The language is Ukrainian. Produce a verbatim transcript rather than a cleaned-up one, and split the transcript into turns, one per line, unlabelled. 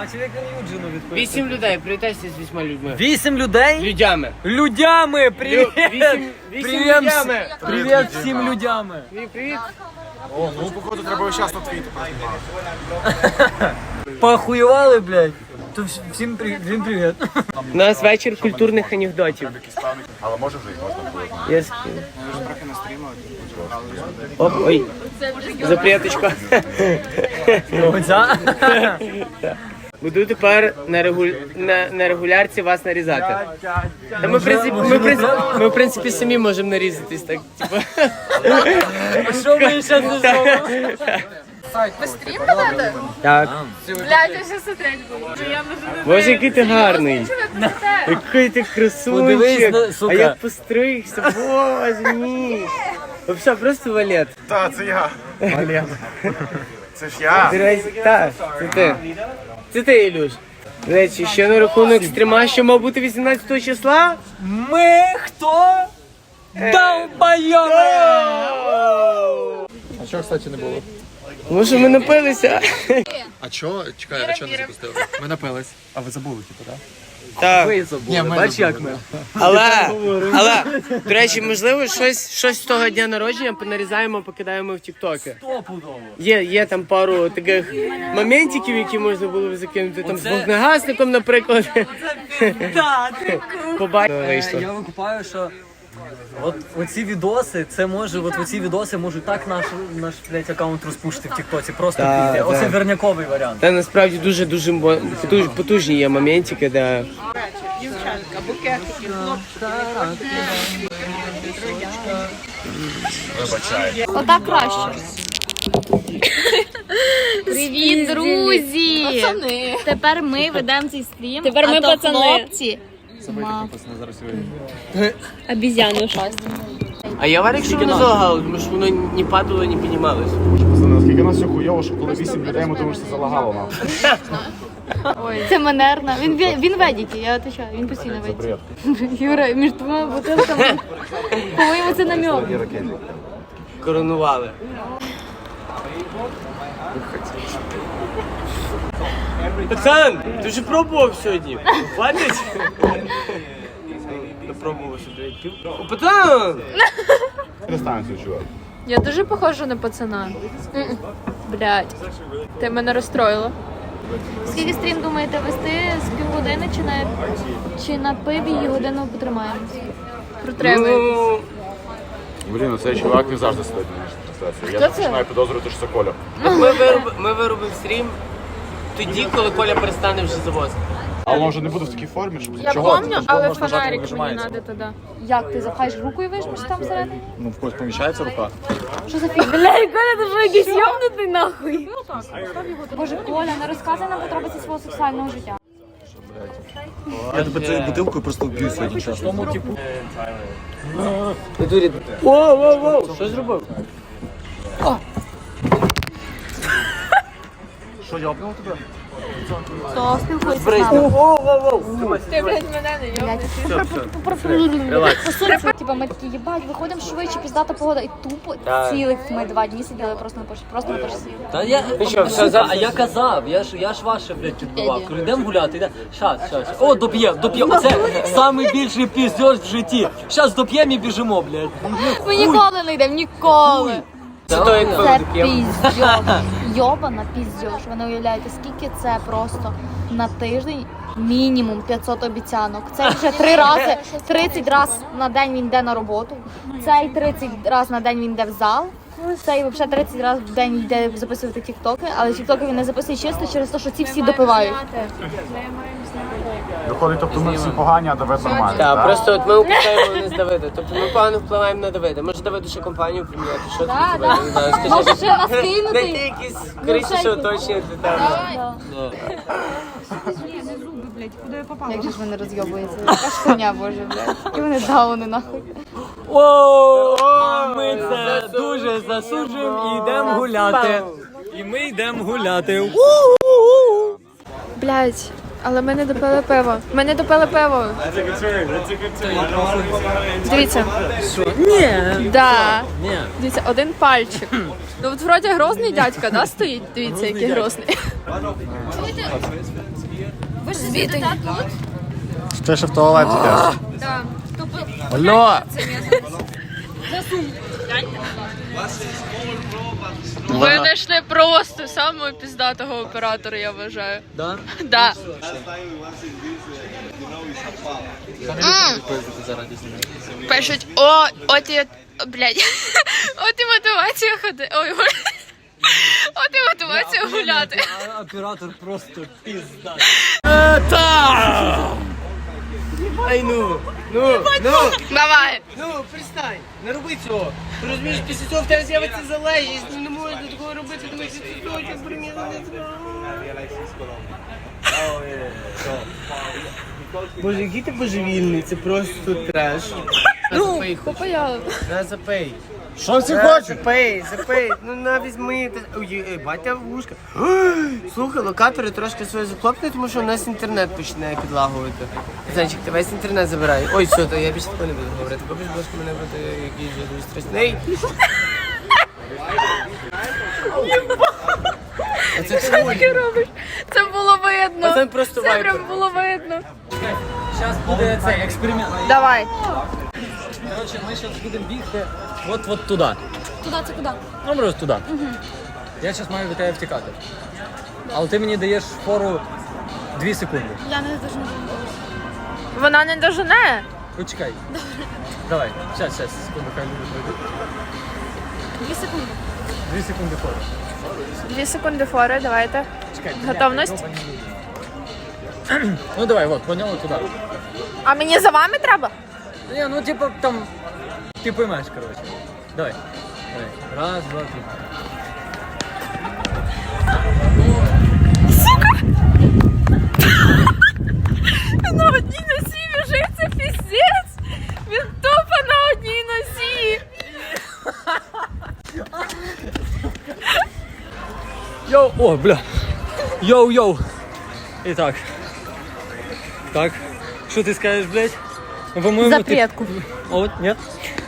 бачив, як він Юджину відповідає.
Вісім людей, привітайся з вісьма людьми.
Вісім людей?
Людями.
Людями, привіт!
Вісім, вісім
Привіт,
людями.
привіт всім людями.
Привіт, привіт.
О, ну походу треба весь час на твіті.
Похуювали, блядь. То вс- всім привіт, всім привіт.
У нас вечір культурних анекдотів.
Але може вже і можна було.
Я скину. Оп, ой. Запряточка.
Оця?
Буду тепер на, регу... на... на регулярці вас нарізати. Та ми, в принципі, ми, в принципі, ми, в принципі, самі можемо нарізатись, так, типу.
А що ми ще не зробимо?
Ви стрім ведете?
Так.
Блядь, я ще смотреть буду. Я вже не
Боже, який ти гарний. Який ти
Подивись на-
красунчик.
сука.
А як постригся, боже мій. Вообще, просто валет.
Так, це я. Вален. Це ж я.
До речі, так, це ти. Це ти, Ілюш. До речі, ще на рахунок стріма, що мав бути вісімнадцятого числа.
Ми хто? Долбойоми!
А чого, кстати, не було?
Тому що ми напилися.
А чого? Чекай, а чого не запустили? Ми напились. А ви забули, типу, так?
Так.
Ви забули, бач як ми.
Але, але, до речі, можливо, щось, щось з того дня народження понарізаємо, покидаємо в тіктоки.
Стопудово.
Є, є там пару таких моментиків, які можна було б закинути. Там з
Оце-
вогнегасником, наприклад.
Так, ти
Побачимо.
Е, Я викупаю, що от оці відоси, це може, от оці відоси можуть так наш, наш блядь, аккаунт розпушити в Тіктоці. Просто
Так,
пізде. Оце
так.
верняковий варіант.
Та насправді дуже-дуже мо- потуж- потужні є моментики, де...
Отак краще. Привіт, друзі!
пацани.
Тепер ми ведемо цей стрім.
Тепер
а
ми
то
пацани.
хлопці.
Обізяну щось.
А я варік, що воно залагало, тому що воно не падало, не піднімалось.
Наскільки нас все хуйово, що коли вісім людей, ми думаємо, що це залагало нам.
Це манерно. Він, ве- він ведіті, я отвечаю, він постійно ведіті. Юра, між двома бутилками. По-моєму, це намек.
Коронували. Пацан, ти вже пробував сьогодні? Хватить? Не пробував сьогодні. Пів- О, пацан!
Дистанцію, чувак.
Я дуже похожа на пацана. М-м. Блядь. Ти мене розстроїла.
Скільки стрім думаєте вести? З півгодини чи на, чи на пиві і годину потримаємося?
Протримуй.
Ну,
Блін, ну цей чувак він завжди сидить на нашій трансляції. Я
Хто
так
це?
починаю підозрювати, що це Коля.
от ми, вироб... ми виробимо стрім тоді, коли Коля перестане вже завозити.
А воно вже не буде в такій формі, щоб
Я
чого?
помню,
Це ж
але
можна нажати,
фонарик мені
вижимається.
треба тоді.
Як ти запхаєш руку і вижмеш там всередині?
Ну, в когось поміщається рука.
Що за фігня? Бля, Коля, ти що якийсь йомнутий нахуй? Боже, Коля, не розказуй нам подробиці свого сексуального життя.
Я тебе цією бутилкою просто вб'ю сьогодні чесно.
Тому, типу,
Дурі. Воу, воу, воу, що зробив?
Що, йобнув тебе?
Хто спілкується з нами?
Воу, воу, воу.
Ти, блядь, мене не йоб.
Релакс.
Посунься. Типа ми такі, їбать, виходимо швидше, піздата погода, і тупо
Так.
цілих ми два дні сиділи просто на перші, просто на перші.
Та я,
Ну що, все,
сука,
завтра-
а я казав, я ж, я ж ваше, блядь, підбивав. Кажу, йдемо гуляти, йдемо. Щас, щас. О, доп'ємо, доп'ємо. Це найбільший піздьош в житті. Щас доп'ємо і біжимо, блядь.
Ми ніколи не йдемо, ніколи.
Це то, як
Це
пиво таке.
піздьош. Йобана піздьош. Ви не уявляєте, скільки це просто на тиждень мінімум п'ятсот обіцянок. Це вже три рази, тридцять разів на день він йде на роботу. Цей тридцять разів на день він йде в зал. Цей взагалі тридцять разів в день йде записувати тіктоки, але тіктоки він не записує чисто через те, що ці всі допивають.
Виходить, тобто ми всі погані, а Давид нормальний,
Так,
так?
просто от ми упускаємо не з Давида. Тобто ми погано впливаємо на Давида. Може Давиду ще компанію поміняти? Що тобі
Да,
Давид?
да.
Не знаю, скажи.
Може ще нас
Дайте
кинути?
якісь корисніше оточення для тебе.
Як же ж вони розйобуються? Яка ж хуйня, боже, блядь. Які вони дауни, нахуй.
О, ми це дуже засуджуємо і йдемо гуляти. І ми йдемо гуляти.
Блядь. Але ми не допили пиво. Ми не допили пиво. Дивіться.
Ні.
Да.
Ні.
Дивіться, один пальчик. Ну от вроді грозний дядька, да, стоїть? Дивіться, який грозний. Ви ж звідти тут?
Ти ще в туалет йдеш.
Так.
Алло!
Ви знайшли просто самого піздатого оператора, я вважаю.
Да?
Да. Пишуть, о, от і, блядь, от і мотивація ходи, ой, от і мотивація гуляти.
А оператор просто пізда.
Ай ну, ну, ну,
Давай.
ну, перестань, не роби цього. Ти розумієш, після цього в тебе з'явиться залежність, не можна такого робити, тому що ти точно примірно не зробиш. Боже, який ти божевільний, це просто треш. Ну,
Попаяли.
на запей.
Що всі
На,
хочуть?
запей, запей, ну на візьми. Та- Ой, ей, батя вушка. Ой, слухай, локатори трошки свої захлопни, тому що у нас інтернет починає підлагувати. Зайчик, ти весь інтернет забирай. Ой, все, то я більше такого не буду говорити. Побіж, будь ласка, мене бути якийсь же дуже страшний. А це
Що таке робиш? Це було видно.
Пацан просто
Це
вайпер.
прям було видно.
Зараз буде цей експеримент.
Давай.
Коротше, ми зараз будемо бігти от-от туди.
Туди це куди?
Ну, просто туди. Я зараз маю від тебе втікати. Але ти мені даєш фору дві секунди.
Я не дуже не
Вона не дожене.
Почекай. Давай, зараз, зараз, секунду, хай люди пройдуть.
Дві секунди.
Дві секунди фору.
Дві секунди фори, давайте.
Чекай.
Готовність?
Ну давай, от, поняли туди.
А мені за вами треба?
Ні, ну типу там, ти поймеш, коротше. Давай. Давай. Раз, два, три.
На одній носі біжить, це піздець. Він тупо на одній носі.
Йоу, о, бля. Йоу, йоу. І так. Так. Що ти скажеш, блядь? Ну, по-моєму,
Запретку.
Ти... О, ні?